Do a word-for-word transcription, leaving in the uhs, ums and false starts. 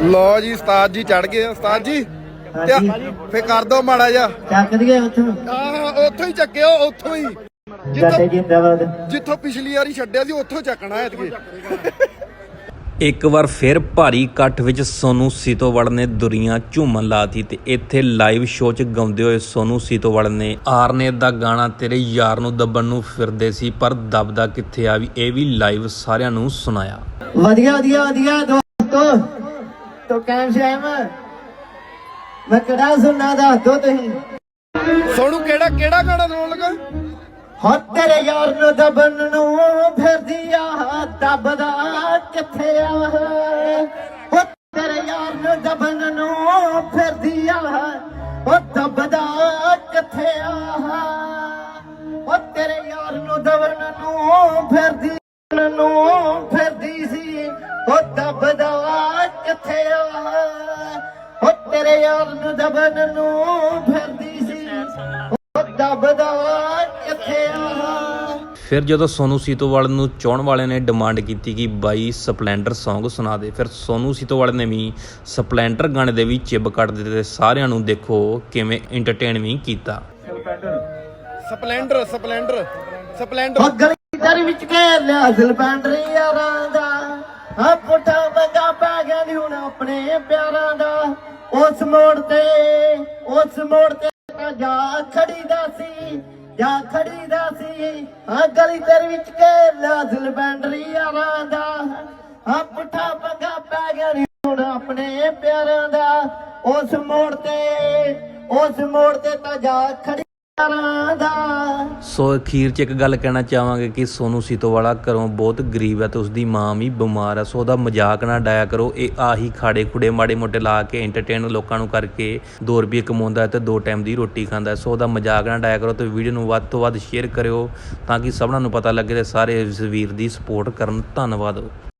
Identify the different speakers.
Speaker 1: लो जी उस्ताद जी चढ़ गए उस्ताद जी फिर कर दो माड़ा जा
Speaker 2: ਚੱਕ ਦਈਏ ਉੱਥੋਂ
Speaker 1: ਉੱਥੋਂ ਹੀ ਚੱਕਿਓ ਉੱਥੋਂ ਹੀ
Speaker 2: ਜੱਟੇ ਜਿੰਦਾਬਾਦ
Speaker 1: ਜਿੱਥੋਂ ਪਿਛਲੀ ਵਾਰੀ ਛੱਡਿਆ ਸੀ ਉੱਥੋਂ ਚੱਕਣਾ ਐਤਕੀ।
Speaker 3: ਇੱਕ ਵਾਰ ਫਿਰ ਭਾਰੀ ਇਕੱਠ ਵਿੱਚ ਸੋਨੂ ਸੀਤੋਵੜ ਨੇ ਦੁਨੀਆਂ ਝੂਮਣ ਲਾਤੀ ਤੇ ਇੱਥੇ ਲਾਈਵ ਸ਼ੋਅ 'ਚ ਗਾਉਂਦੇ ਹੋਏ ਸੋਨੂ ਸੀਤੋਵੜ ਨੇ ਆਰਨੇਤ ਦਾ ਗਾਣਾ ਤੇਰੇ ਯਾਰ ਨੂੰ ਦੱਬਣ ਨੂੰ ਫਿਰਦੇ ਸੀ ਪਰ ਦੱਬਦਾ ਕਿੱਥੇ ਆ ਵੀ ਇਹ ਵੀ ਲਾਈਵ ਸਾਰਿਆਂ ਨੂੰ ਸੁਣਾਇਆ।
Speaker 2: ਵਧੀਆ ਵਧੀਆ ਵਧੀਆ ਦੋਸਤੋ ਤੋ ਕੈਮ ਸ਼ੈਮ ਮੈਂ ਕਿਹੜਾ ਸੁਣਨਾ ਦੱਸ ਦੋ ਤੁਸੀਂ।
Speaker 1: ਸੋਨੂ ਕਿਹੜਾ ਕਿਹੜਾ ਗਾਣਾ ਸੁਣਨ ਲੱਗਾ?
Speaker 2: ਹੋ ਤੇਰੇ ਯਾਰ ਨੂੰ ਦੱਬਣ ਨੂੰ ਫਿਰਦੀ ਆ ਦੱਬਦਾ ਕਿੱਥੇ ਆ। ਹੋ ਤੇਰੇ ਯਾਰ ਨੂੰ ਦੱਬਣ ਨੂੰ ਫਿਰਦੀ ਆ ਉਹ ਦੱਬਦਾ ਕਿੱਥੇ ਆ। ਹੋ ਤੇਰੇ ਯਾਰ ਨੂੰ ਦੱਬਣ ਨੂੰ ਫਿਰਦੀ ਨੂੰ ਫਿਰਦੀ ਸੀ ਉਹ ਦੱਬਦਾ ਕਿੱਥੇ ਆ। ਹੋ ਤੇਰੇ ਯਾਰ ਨੂੰ ਦੱਬਣ ਨੂੰ ਫਿਰਦੀ ਸੀ ਉਹ ਦੱਬਦਾ ਕਿੱਥੇ ਆ।
Speaker 3: ਫਿਰ ਜਦੋਂ ਸੋਨੂ ਸੀਤੋਵੜ ਨੂੰ ਚਾਹਣ ਵਾਲਿਆਂ ਨੇ ਡਿਮਾਂਡ ਕੀਤੀ ਕਿ ਬਾਈ ਸਪਲੈਂਡਰ ਸੌਂਗ ਸੁਣਾ ਦੇ, ਫਿਰ ਸੋਨੂ ਸੀਤੋਵੜ ਨੇ ਵੀ ਸਪਲੈਂਡਰ ਗਾਣੇ ਦੇ ਵੀ ਚਿੱਬ ਕੱਢ ਦਿੱਤੇ ਤੇ ਸਾਰਿਆਂ ਨੂੰ ਦੇਖੋ ਕਿਵੇਂ ਇੰਟਰਟੇਨ ਵੀ ਕੀਤਾ।
Speaker 1: ਸਪਲੈਂਡਰ ਸਪਲੈਂਡਰ ਸਪਲੈਂਡਰ
Speaker 2: ਉਹ ਗਲੀ ਦਰ ਵਿੱਚ ਘੇਰ ਲਿਆ ਸਪਲੈਂਡਰ ਯਾਰਾਂ ਦਾ ਆ ਪੁੱਠਾ ਮੰਗਾ ਪੈ ਗਿਆ ਨੀ ਹੁਣ ਆਪਣੇ ਪਿਆਰਾਂ ਦਾ। ਉਸ ਮੋੜ ਤੇ ਉਸ ਮੋੜ ਤੇ ਜਾ ਖੜੀ ਦਾ ਸੀ ਜਾ ਖੜੀ ਦਾ ਸੀ ਆ ਗਲੀ ਦਰ ਵਿੱਚ ਘੇਰ ਲਿਆ ਸਪਲੈਂਡਰ ਯਾਰਾਂ ਦਾ ਆ ਪੁੱਠਾ ਮੰਗਾ ਪੈ ਗਿਆ ਨੀ ਹੁਣ ਆਪਣੇ ਪਿਆਰਾਂ ਦਾ। ਉਸ ਮੋੜ ਤੇ ਉਸ ਮੋੜ ਤੇ ਤਾਂ ਜਾ ਖੜੀ
Speaker 3: ਸੋ ਅਖੀਰ 'ਚ ਇੱਕ ਗੱਲ ਕਹਿਣਾ ਚਾਹਾਂਗੇ ਕਿ ਸੋਨੂ ਸੀਤੋਵਾਲਾ ਘਰੋਂ ਬਹੁਤ ਗਰੀਬ ਹੈ ਤੇ ਉਸਦੀ ਮਾਂ ਵੀ ਬਿਮਾਰ ਹੈ, ਸੋ ਉਹਦਾ ਮਜ਼ਾਕ ਨਾ ਡਾਇਆ ਕਰੋ। ਇਹ ਆਹੀ ਖਾੜੇ ਖੁੜੇ ਮਾੜੇ ਮੋਟੇ ਲਾ ਕੇ ਐਂਟਰਟੇਨ ਲੋਕਾਂ ਨੂੰ ਕਰਕੇ ਦੋ ਰੁਪਏ ਕਮਾਉਂਦਾ ਹੈ ਤੇ ਦੋ ਟਾਈਮ ਦੀ ਰੋਟੀ ਖਾਂਦਾ, ਸੋ ਉਹਦਾ ਮਜ਼ਾਕ ਨਾ ਡਾਇਆ ਕਰੋ ਤੇ ਵੀਡੀਓ ਨੂੰ ਵੱਧ ਤੋਂ ਵੱਧ ਸ਼ੇਅਰ ਕਰਿਓ ਤਾਂ ਕਿ ਸਭਨਾਂ ਨੂੰ ਪਤਾ ਲੱਗੇ ਤੇ ਸਾਰੇ ਇਸ ਵੀਰ ਦੀ ਸਪੋਰਟ ਕਰਨ। ਧੰਨਵਾਦ।